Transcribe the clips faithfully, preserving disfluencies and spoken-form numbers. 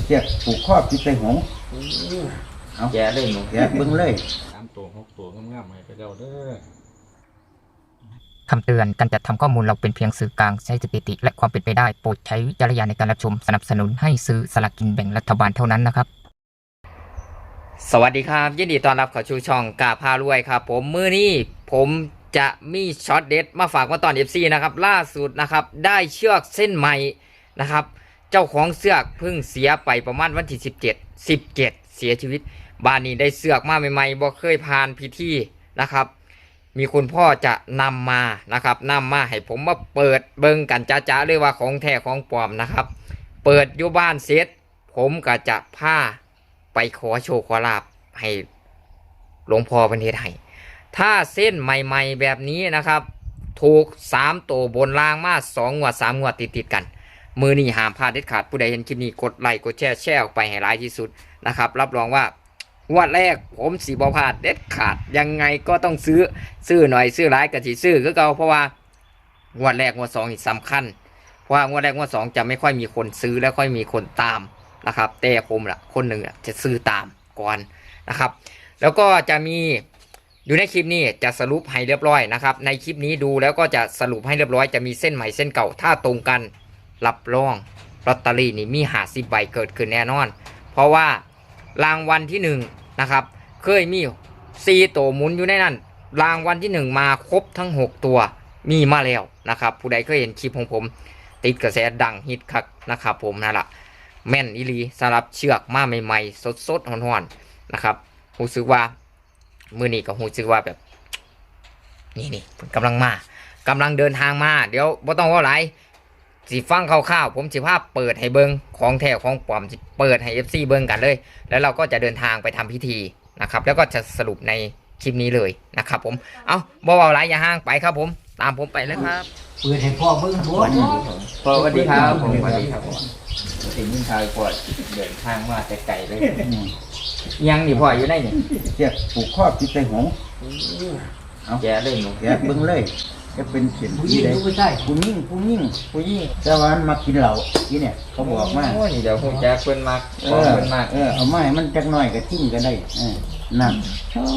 เจ็บผูกข้อพิษใส่หงเอาแกเลยหนูแกเบิ้งเลยสามตัวหกตัวงามๆให้ไปเจ้าเด้อคำเตือนการจัดทำข้อมูลเราเป็นเพียงสื่อกลางใช้สถิติและความเป็นไปได้โปรดใช้วิจารณญาณในการรับชมสนับสนุนให้ซื้อสลากกินแบ่งรัฐบาลเท่านั้นนะครับสวัสดีครับยินดีต้อนรับเข้าสู่ช่องกาพารวยครับผมมื้อนี้ผมจะมีช็อตเด็ดมาฝากมาตอน เอฟ ซี นะครับล่าสุดนะครับได้เชือกเส้นใหม่นะครับเจ้าของเสือกเพิ่งเสียไปประมาณวันที่สิบเจ็ด สิบเจ็ดเสียชีวิตบ้านนี้ได้เสือกมาใหม่ๆบ่เคยผ่านพิธีนะครับมีคุณพ่อจะนำมานะครับนำมาให้ผมมาเปิดเบิ่งกันจ้าๆเลยว่าของแท้ของปลอมนะครับเปิดอยู่บ้านเสร็จผมก็จะพาไปขอโชคขอลาภให้หลวงพ่อเป็นเฮ็ดให้ถ้าเส้นใหม่ๆแบบนี้นะครับถูกสามตัวบนล่างมาสองงวดสามงวดติดๆกันมือนี้ห้ามพลาดเด็ดขาดผู้ใดเห็นคลิปนี้กดไลค์กดแชร์แชร์ออกไปให้หลายที่สุดนะครับรับรองว่างวดแรกผมสีบอพลาดเด็ดขาดยังไงก็ต้องซื้อซื้อหน่อยซื้อหลายกะสิซื้อก็เก่าเพราะว่างวดแรกงวดสองนี่สำคัญเพราะว่างวดแรกงวดสองจะไม่ค่อยมีคนซื้อและค่อยมีคนตามนะครับแต่ผมล่ะคนหนึ่งจะซื้อตามก่อนนะครับแล้วก็จะมีอยู่ในคลิปนี้จะสรุปให้เรียบร้อยนะครับในคลิปนี้ดูแล้วก็จะสรุปให้เรียบร้อยจะมีเส้นใหม่เส้นเก่าถ้าตรงกันรับรองลอตเตอรี่นี่มีหาสิบใบเกิดขึ้นแน่นอนเพราะว่ารางวัลที่หนึ่งนะครับเคยมีสี่ตัวหมุนอยู่ในนั้นรางวัลที่หนึ่งมาครบทั้งหกตัวมีมาแล้วนะครับผู้ใดเคยเห็นคลิปของผมติดกระแสดังฮิตคักนะครับผมนั่นแหละแม่นอีหลีสำหรับเชือกมาใหม่ๆสดๆฮ้อนๆนะครับรู้สึกว่ามือนี้ก็รู้สึกว่าแบบนี่นี่กำลังมากำลังเดินทางมาเดี๋ยวบ่ต้องว่าไรสิฟังคร่าวๆผมสิภาพเปิดให้เบิ้งของแท้ของปลอมสิเปิดให้ เอฟ ซี เบิ้งกันเลยแล้วเราก็จะเดินทางไปทำพิธีนะครับแล้วก็จะสรุปในคลิปนี้เลยนะครับผมเอาบ่ว่าไรอย่าห่างไปครับผมตามผมไปเลยครับเปิดให้พ่อเบิ้งหัวพ่อสวัสดีครับผมสวัสดีครับผมถึงยิ่งชายปวดเดินทางมาแต่ไกลเลยยังนี่พ่ออยู่ได้เนี่ยเจ็บผูกข้อพิษใส่หงเอาแกเลยหนูแกเบิ้งเลยจะเป็นเสียงผู้หญิงผู้ชายผู้หญิงผู้หญิงผู้หญิงแต่ว่ามากินเหล้าที่เนี่ยเขาบอกมาโอ้ยเดี๋ยวผมจะเพิ่นมากเออเพิ่นมากเออเอาไม้มันจักหน่อยก็ทิ้งก็ได้เออนั่น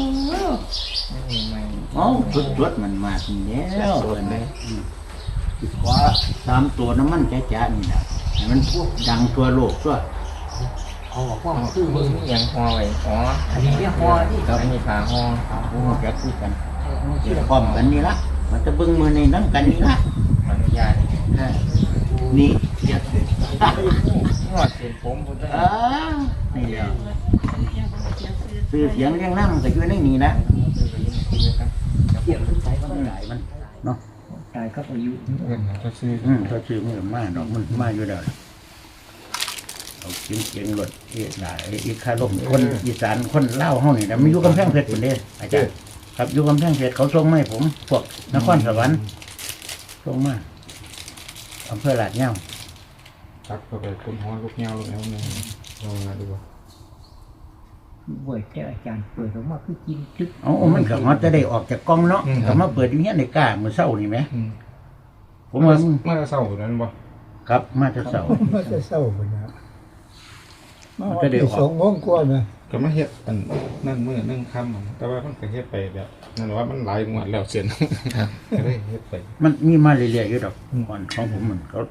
อ๋อจุดๆมันมาทีนี้แล้วเลยขวาสามตัวน้ำมันแจ๊ะๆนี่นะมันพวกดังตัวโลกตัวอ๋อพวกคือมึงยังห่อไว้อ๋ออันนี้เรียกห่อที่ครับมีขาห่อโอ้แกคุยกันพร้อมกันนี่ละมันจะเบิ้งมือในน้ำกันนี่ละอนุญาตนี่งอดเส้นผมผมจะอ่านี่เดียวซื้อเสียงเรียงน้ำก็อยู่ในนี่นะเสียงขึ้นไปก็ได้มันเนาะตายก็อายุก็ซื้ออืมก็ซื้อมันมาดอกมันมาอยู่แล้วเอาเสียงเสียงรถเอ๊ะได้อีกคารมคนอีสานคนเล่าห้องนี่นะไม่อยู่กำแพงเพชรคนเดียวอาจารย์ครับอยู่กำแพงเพชรเขาส่งมาให้ผมพวกนครสวรรค์ส่งมาอำเภอลาดเงาตักเข้าไปคนหัวลูกเงาลูกเงาเนี่ยลองมาดูว่าเปิดแต่อาจารย์เปิดออกมาคือกินคึกอ๋อมันก็มันจะได้ออกจากกล้องเนาะแต่มาเปิดอย่างเงี้ยในกล้ามือเศร้านี่ไหมผมว่ามาเศร้านั้นบ่ครับมาจะเศร้ามาจะเศร้าเหมือนกันมันจะได้ออกสองโมงกว่านะก็มาเฮ็ดอันนั่นมื้อนั่งค่ำแต่ว่ามันก็เฮ็ดไปแบบนั่นว่ามันหลายงวดแล้วเสียนก็ได้เฮ็ดไปมันมีมาเรื่อยๆอยู่ดอกก่อนของผมมันเขา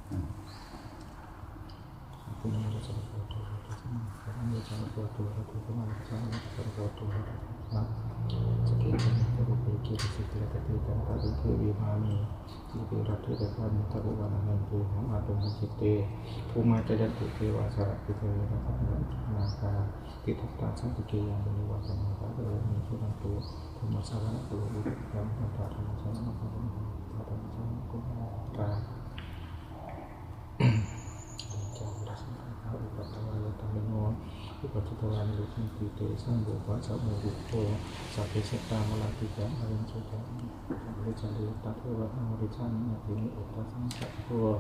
ที่เป็นรัฐที่ได้พรตะบุวันนันตุของอาตมจิตเตภูมาจยันตุเทวาสระพิเทวะพัฒนาคาติทัตตาสังติเกยังบริวารธรรมะเออมีสุนันตุธรรมสารณะตุอุปยังธรรมะธรรมสารณะธรรมะธรรมสารณะกุมารตาจำรัศมีพระอุปัฏฐานธรรมโนอุปัฏฐานลุขิติเตสังโฆวะสัมโมกุโตสัพเพสัตตามลาติจังอริยสุตังบริจาริตัทเทวะอริชันนาทินิอุตตะสังสัพพะ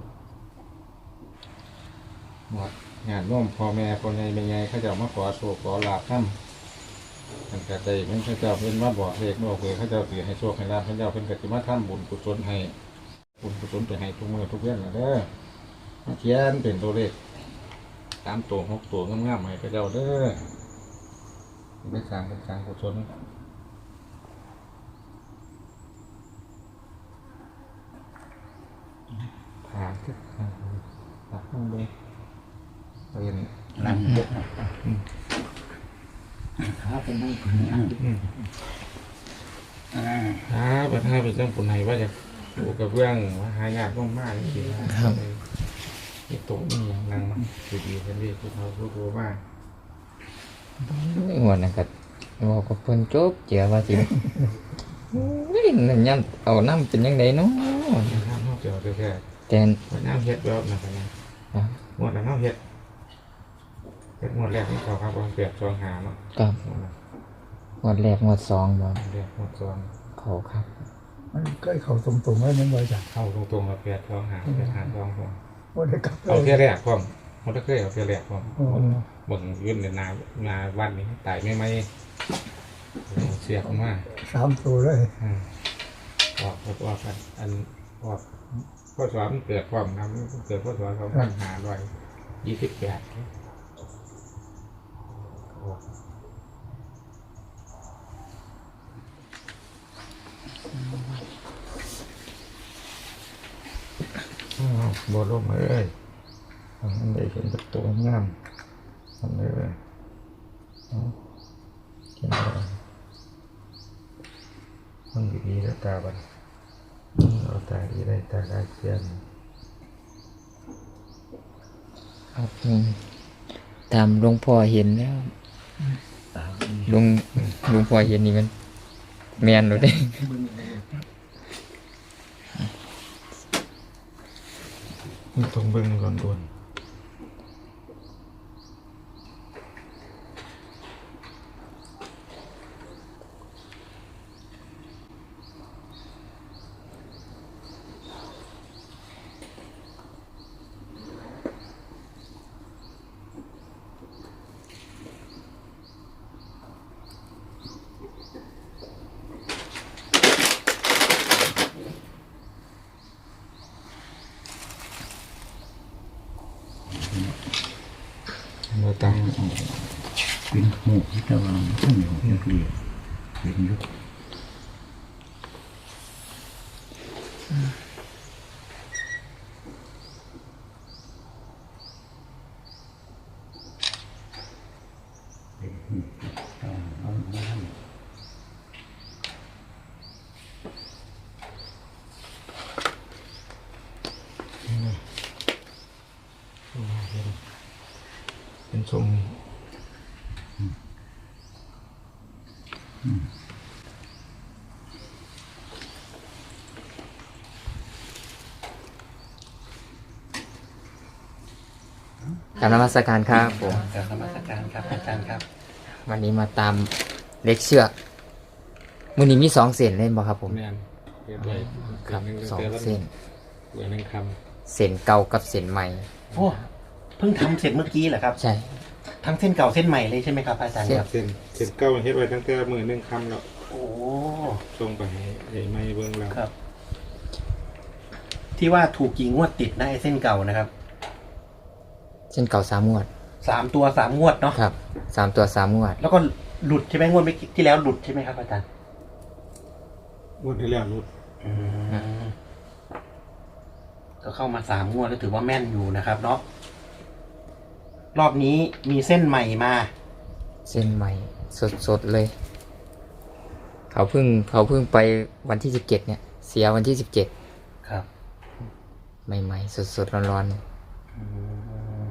หมดงานร่วมพ่อแม่คนใหญ่เป็นไงเขาจะมาขอโชคขอลาภท่านตั้งแต่ใจมันเขาจะเป็นว่าบอกเด็กบอกเลยเขาจะเสียให้โชคให้ลาภเขาจะเป็นกติมาท่านบุญกุศลให้บุญกุศลไปให้ทุกเมื่อทุกเรื่องนะเด้อมาเขียนเป็นตัวเลขสามตัวหกตัวงามๆให้ไปเจ้าเด้อได้สร้างเป็นสร้างกุศลผ่าที่ตัดลงไปเรียนนั่งเยอะขาเป็นนั่งอ่าครับประธานเป็นเรื่องปุ่นไหนว่าจะอยู่กับเรื่องว่าหายากมากๆจริงๆนะครับมีโต๊ะนี่อย่างนั่งดีๆกันดีทุกเขาทุกตัวมากหัวนั่นก็บอกกับเพิ่นจบเจียว่าสิเฮ้ยนั่นยามเอาน้ำเป็นยังไงเนาะน้ำเขาเกี่ยวกับแค่แต่น้ำเห็ดแบบนั้นนะหมดแล้วน้ำเห็ดเห็ดหมดแรกนี่เขาครับวางเปรียบซองหาเนาะกับงวดแรกงวดสองบ่เรียกหมดซองเขาครับมันใกล้เขาตรงๆไว้นั่นไว้จ้ะเข้าตรงๆกับเปรียบซองหาเปรียบหาซองผมว่าได้กลับเอาแค่แรกผมหมดแล้วเคยเอาแค่แรกผมอ๋อบ่งยื่นในนานาวันนี้ตายไม่ไหมเสียบมากสามตัวเลยออกออกออกกันอันออกข้อสอบมันเกิดความน้ำเกิดข้อสอบสองพันหาร้อยยี่สิบแปดบอลมเอ้ยทำมันได้เห็นประตูงามทำเลยกินอะไรมันดีๆแล้วตาบันเอาตาดีได้ตาได้เทียนครับอืมตามหลวงพ่อเห็นแล้วหลวงหลวงพ่อเห็นนี่มันแม่นโลดเด้มันต้องเบิ่งก่อนด่วนเราตั้งเป็นหมูที่ตะวันขึ้นอยู่เรียบเป็นยุคเป็นทรงกรารนมัสการครับผมการนมัสการครับอาจารย์ครับวันนี้มาตามเล็กเชือกมื้อนี้มีสองเส้นเล่นบ่ครับผมแม่นเรียบร้อยครับสองเส้นเหลือหนึ่งคเส้นเก่ากับเส้นใหม่โอ้เพิ่งทำเสร็จเมื่อกี้เหรอครับใช่ทั้งเส้นเก่าเส้นใหม่เลยใช่ไหมครับอาจารย์ครับำเส้นเส้นเก้าเฮ็ดไว้ตั้งแต่มือหนึ่งคำแล้วโอ้ส่งไปให้ไอ้ไม่เบิ่งแล้วครับ ที่ว่าถูกกี่งวดติดนะไอ้เส้นเก่านะครับเส้นเก่าสามงวดสามตัวสามงวดเนาะครับสามตัวสามงวดแล้วก็หลุดใช่ไหมงวดเมื่อกี้ที่แล้วหลุดใช่ไหมครับอาจารย์งวดที่แล้วรุดอืมก็เข้ามาสามงวดแล้วถือว่าแม่นอยู่นะครับเนาะรอบนี้มีเส้นใหม่มาเส้นใหม่สดๆเลย เขาเพิ่งเขาเพิ่งไปวันที่สิบเจ็ดเนี่ย เสียวันที่สิบเจ็ดครับใหม่ๆสดๆร้อนอืม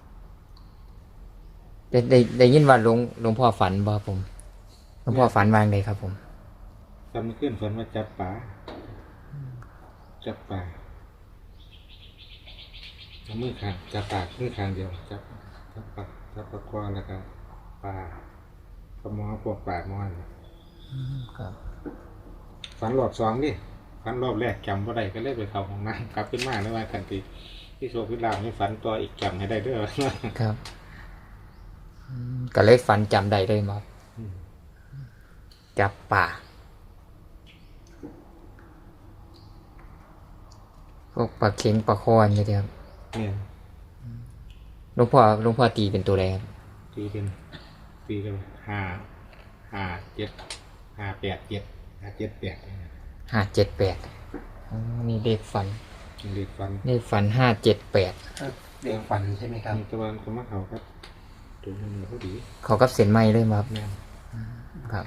ๆได้ได้ได้ยินว่าหลวงหลวงพ่อฝันบ่ครับผมหลวงพ่อฝันวางเลยครับผมฝันเมื่อคืนฝันว่าจับปลาจับปลาเอามือข้างจับปลามือข้างเดียวจับจับปลาจับปลาคว้าแล้วก็ปลาปลาหมอพวกปลาหมอนครับฝันรอบสองดิฝันรอบแรกจำว่าได้ก็เลยไปเข้าห้องน้ำกลับขึ้นมาในวันกันทีที่โชคพิลาไม่ฝันตัวอีกจำให้ได้เด้วยครับอืมก็เลยฝันจำได้เลยมั้งจับป่าพวกปลาเค็งปลาคอนนี่ครับเนี่ยหลวงพ่อหลวงพ่อตีเป็นตัวอะไรครับตีเป็นตีกันห้าห้าเจ็ดห้าแปดเจ็ดห้าเจ็ดแปดห้าเจ็ดแปดนี่เลขฝันเด็กฟันเลขฝันห้าเจ็ดแปดเด็กฝันใช่ไหมครับมีตะวันเขามาเขาครับตัวนี้เขาดีเขากับเส้นไม้เลยมาครับแม่นครับ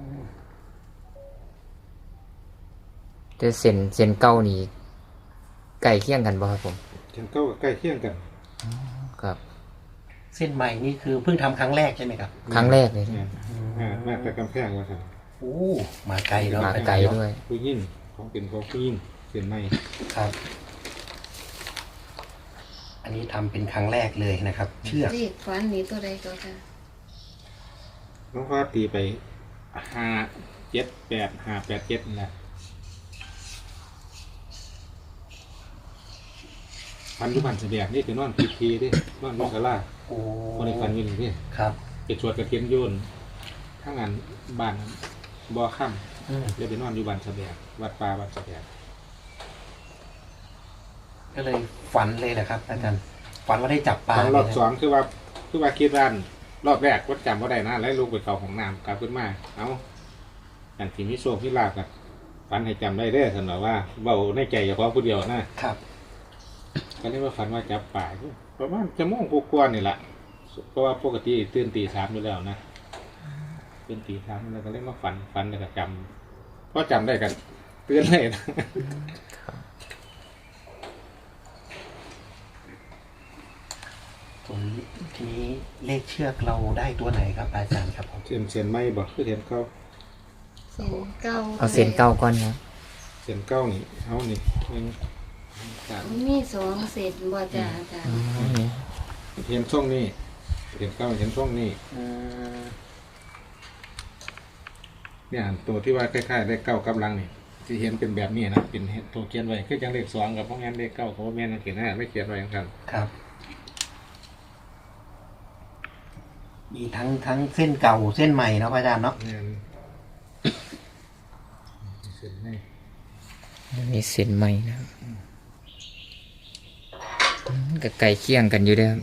แต่เส้นเส้นเก้านี่ใกล้เคียงกันป่ะครับผมฉันก็ใกล้เคียงกันครับเส้นใหม่นี่คือเพิ่งทำครั้งแรกใช่ไหมครับครั้งแรกเลยแม่นอ่ามาแต่กำแพงว่าสั่นโอ้มาไกลเนาะมาไกลด้วยผู้ยิ่งของเป็นของผู้ยิ่งเสียนไม่ครับ อันนี้ทำเป็นครั้งแรกเลยนะครับ เชือกเลขฝันนี่ตัวใดก็ค่ะน้องฟ้าตีไปห้าเจ็ดแปดห้าแปดเจ็ดนี่แหละฟันทุกวันเสียแบบนี่คือนอนพีพีดินอนนอกกะลาโอ้คนในฟันอยืนนี่ครับไปชวดกระเทียนโยนทั้งงานบ้านบ่อค่ำอืมเดี๋ยวไปนอนอยู่บ้านเสบียงวัดป่าวัดเสบียงก็เลยฝันเลยแหละครับ อาจารย์ฝันว่าได้จับปลาตอนรอบเลยนะสองคือว่าคือว่าคิดว่ารอบแรกวัดจำว่าได้นะแล้วลูกไปเขาของน้ำกลับขึ้นมาเอาอย่างที่มิโซมิลาบกันฝันให้จำได้เด้อสำหรับว่าเบาในใจเฉพาะผู้เดียวนะครับ ก็เรียกว่าฝันว่าจับป่าประมาณจะม่วงกกวนนี่แหละเพราะว่าปกติตื่นตีสามอยู่แล้วนะตื่นตีสามแล้วก็เรียกว่าฝันฝันแล้วก็จำเพราะจำได้กันเตือนเลยนะผมทีนี้เลขเชือกเราได้ตัวไหนครับ อาจารย์ครับผมเสียนเสียนไม่บอกคือเสียนเก้าเส้นเก้าเอาเส้นเก้าก้อนครับเสียนเก้านี่เอานี่หนึ่งสามมีสองเศษบ่จ้าอาจารย์เห็นช่องนี่เห็นเก้าเห็นช่องนี่อืมเนี่ยตัวที่ว่าคล้ายๆเลขเก้ากำลังนี่ที่เห็นเป็นแบบนี้นะเป็นตัวเขียนไว้คือจังเลขสองกับพวกงั้นเลขเก้าเขาแม่นเขียนหน้าไม่เขียนไว้อย่างนั้นครับ มีทั้งทั้งเส้นเก่าเส้นใหม่เนาะอาจารย์เนาะเนี่ยเส้นนี่มีเส้นไม้นะครับอืมก็ไก่เคียงกันอยู่เด้อครับ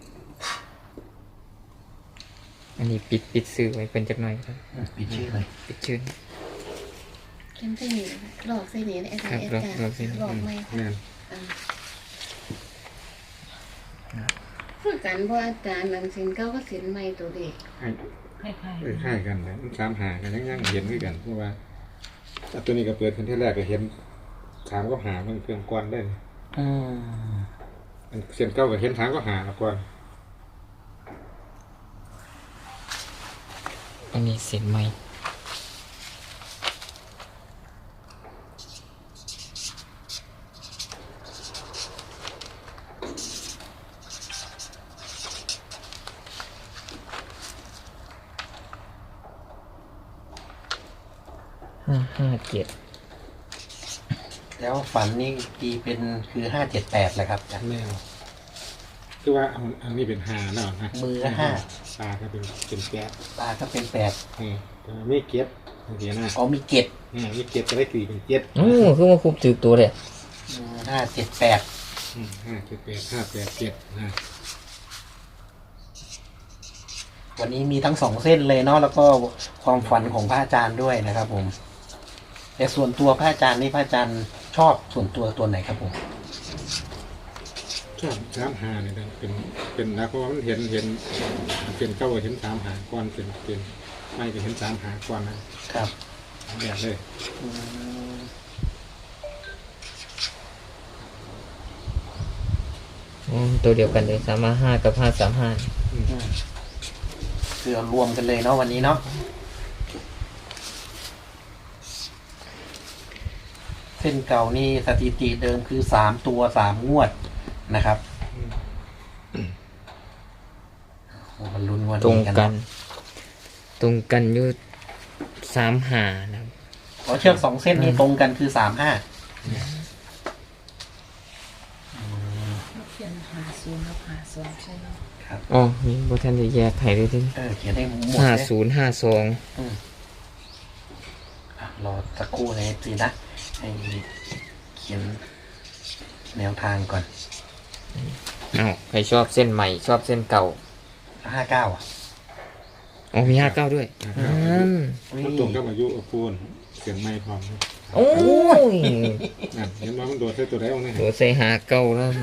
อันนี้ปิดปิดซื้อไว้เป็นจักหน่อยครับปิดชื่อเลยปิดชื่อเขียนใส่นี่หลอกใส่นี่อาจารย์ครับอาจารย์หลอกใส่นี่หลอกไหมเนี่ยอ่าคือกันเพราะอาจารย์นั่นเส้นเก้าก็เส้นใหม่ตัวเด็กคล้ายๆกันเลยมันสามหากันยังยังเห็นด้วยกันเพราะว่าอ่ะตัวนี้ก็เปิดขึ้นที่แรกก็เห็นถามก็หามันเครื่องก้อนได้อืมอันเสียนเก้าก็เห็นถามก็หาแล้วก่อนอันนี้เส้นไม้ห้าห้าเจ็ดแล้วฝันนี่ตีเป็นคือห้าเจ็ดแปดแหละครับอาจารย์แม่คือว่าอันอันนี้เป็นหาเนาะนะมือละห้าตาก็เป็นเป็นแก๊สปลาก็เป็นแปดนี่แต่ไม่เก็บเห็นนะอ๋อมีเก็ดนี่ไม่เก็บจะได้ตีเป็นเจ็ดโอ้คือว่าคุบถือตัวเลยห้าเจ็ดแปดอืมห้าเจ็ดแปดห้าแปดเจ็ดนะวันนี้มีทั้งสองเส้นเลยเนาะแล้วก็ความฝันของพระอาจารย์ด้วยนะครับ ผม แต่ส่วนตัวพระอาจารย์นี่พระอาจารย์ชอบส่วนตัวตัวไหนครับผมชอบสามหาเนี่ยนะเป็นเป็นนะเพราะว่ามันเห็นเห็นเป็นเก้าเห็นสามหาก่อนเป็นเป็นไม่ก็เห็นสามหาก่อนนะครับ แบบเลยอืมอืมตัวเดียวกันเลยสามห้ากับห้าสามห้าอืมอืมคือเอารวมกันเลยเนาะวันนี้เนาะเส้นเก่านี่สถิติเดิมคือสามตัวสามงวดนะครับโอ้มันลุ้นงวดตรงนี้กักันน ตรงกันอยู่สามหานะครับเพราะเชือกสองเส้นนี้ตรงกันคือสามห้าเขียนหาศูนย์กับหาสองใช่ไหมครับอ๋อมีบทท่านจะแยกไข่ด้วยที่เออเขียนให้หมดห้าเลยศูนย์ห้าสองอืมอ่ะรอสักครู่นะสินะให้เขียนแนวทางก่อนอ้าวใครชอบเส้นใหม่ชอบเส้นเก่าห้าเก้าอ่ะอ๋อมีห้าเก้าด้วยอืมมันตรงกับอายุอปูนเสียงไม่พร้อมนะโอ้ยนั่นเห็นว่ามันโดดใส่ตัวได้เอาเนี่ยตัวใส่หาเก้าแล้ว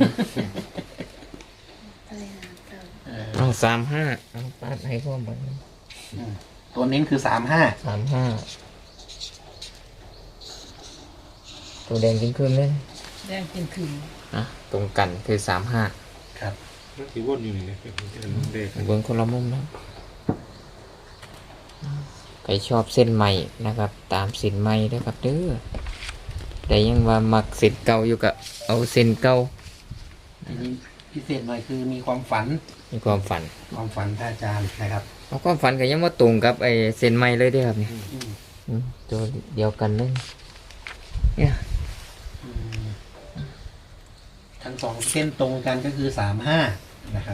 ไปหาเก่าเอาสามห้าเอาปาดให้พ่อมันตัวเน้นคือสามห้าสามห้าตัวแดงจริงขึ้นเลยแดงเป็นคืนอ่ะตรงกันคือสามห้าครับมันสีวนอยู่นี่เลยเป็นเด็กเบิ้งคนละมุมนะใครชอบเส้นใหม่นะครับ ตามเส้นใหม่นะครับเด้อแต่ยังว่ามักเส้นเก่าอยู่กับเอาเส้นเก่าทีนี้พิเศษหน่อยคือมีความฝันมีความฝันความฝันพระอาจารย์นะครับเอาความฝันก็ยังว่าตรงกับไอ้เส้นใหม่เลยเด้อครับเนี่ยอืมอืมตัวเดียวกันเลยเนี่ยอืมทั้งสองเส้นตรงกันก็คือสามห้านะครับ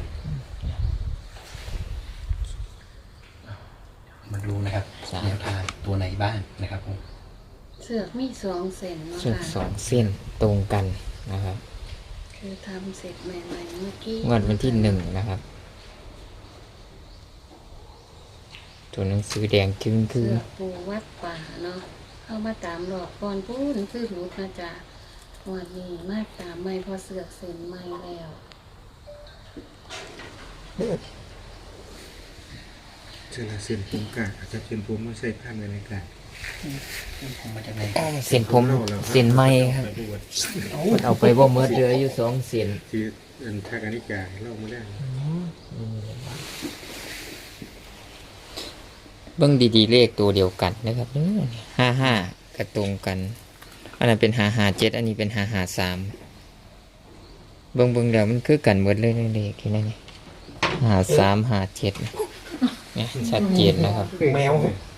มาดูนะครับแนวทางตัวไหนบ้างนะครับผมเสือกมีสองเส้นเนาะเชือกสอค่ะงเส้นตรงกันนะครับคือทำเสร็จใหม่ๆเมื่อกี้งวดวันที่หนึ่งนะครับ ตัวหนังสือแดงจึงคืเสืออกปูวัดป่าเนาะเข้ามาตามหลอกก่อนพูดคือรู้นะจ๊ะวันนี้มาตามไม่พอเสือกเส้นใหม่แล้วเชื่อเส้นผมกะอาจจะเส้นผมไม่ใช่ผ้าในรายการผมมาจากไหนเส้นผมเส้นไหมครับมันเอาไปบ่เมื่อเดืออยู่สองเส้นที่อันทาการนิกาเล่ามาได้เบิ้งดีๆเลขตัวเดียวกันนะครับเด้อห้าห้ากระตรงกัน อันนั้นเป็นหาหาเจ็ดอันนี้เป็นหาหาสามเบิ้งเบิ้งเดี๋ยวมันคือกันหมดเลยในเลขที่นั่นนี่หาสามหาเจ็ดเนี่ยชัดเจนนะครับแมว